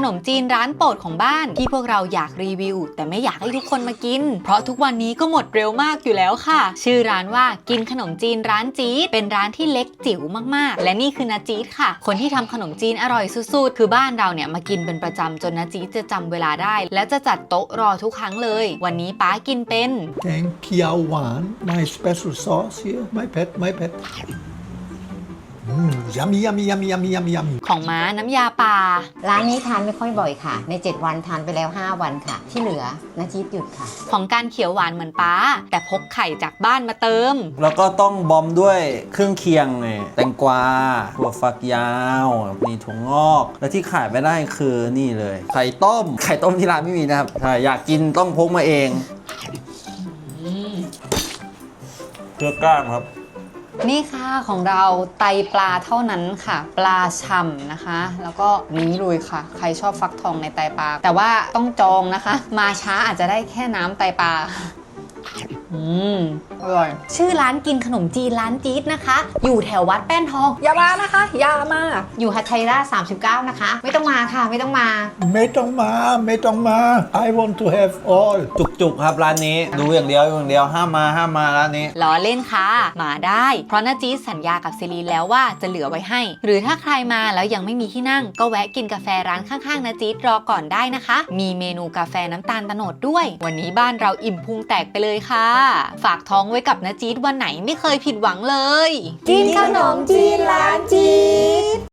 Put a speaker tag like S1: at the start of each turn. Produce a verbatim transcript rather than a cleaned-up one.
S1: นมจีนร้านโปรดของบ้านที่พวกเราอยากรีวิวแต่ไม่อยากให้ทุกคนมากินเพราะทุกวันนี้ก็หมดเร็วมากอยู่แล้วค่ะชื่อร้านว่ากินขนมจีนร้านจี๊ดเป็นร้านที่เล็กจิ๋วมากๆและนี่คือนาจี๊ดค่ะคนที่ทำขนมจีนอร่อยสุดๆคือบ้านเราเนี่ยมากินเป็นประจำจนนาจี๊ดจะจำเวลาได้และจะจัดโต๊ะรอทุกครั้งเลยวันนี้ป้ากินเป็น
S2: แกงเขียวหวาน my special sauce here my pet my petอืม yummy yummy yummy yummy yummy yummy
S1: ของม้าน้ำยาป่า
S3: ร้านนี้ทานไม่ค่อยบ่อยค่ะในเจ็ดวันทานไปแล้วห้าวันค่ะที่เหลือนาจี๊ดหยุดค่ะ
S1: ของการเขียวหวานเหมือนป้าแต่พกไข่จากบ้านมาเติม
S4: แล้วก็ต้องบอมด้วยเครื่องเคียงไงแตงกวาถั่วฝักยาวนี่ถั่วงอกและที่ขายไม่ได้คือนี่เลยไข่ต้มไข่ต้มที่ร้านไม่มีนะครับถ้าอยากกินต้องพกมาเองเพื่อกล้างครับ
S1: นี่ค่ะของเราไตปลาเท่านั้นค่ะปลาฉ่ำนะคะแล้วก็นี้เลยค่ะใครชอบฟักทองในไตปลาแต่ว่าต้องจองนะคะมาช้าอาจจะได้แค่น้ำไตปลาอืมอร่อยชื่อร้านกินขนมจีนร้านจี๊ดนะคะอยู่แถววัดแป้นทองอย่ามานะคะอย่ามาอยู่ฮัทไทราสามสิบเก้านะคะไม่ต้องมาค่ะไม่ต้องมา
S2: ไม่ต้องมาไม่ต้องมา I want to have all
S4: จุกๆครับร้านนี้ดูอย่างเดียวอย่างเดียวห้ามมาห้ามมาร้านนี้
S1: ล้อเล่นค่ะมาได้เพราะนาจี๊ดสัญญากับซิลีนแล้วว่าจะเหลือไว้ให้หรือถ้าใครมาแล้วยังไม่มีที่นั่งก็แวะกินกาแฟร้านข้างๆนาจี๊ดรอก่อนได้นะคะมีเมนูกาแฟน้ำตาลโตนดด้วยวันนี้บ้านเราอิ่มพุงแตกไปเลยค่ะฝากท้องไว้กับนาจี๊ดวันไหนไม่เคยผิดหวังเลย
S3: กินขนมจีนร้านจี๊ด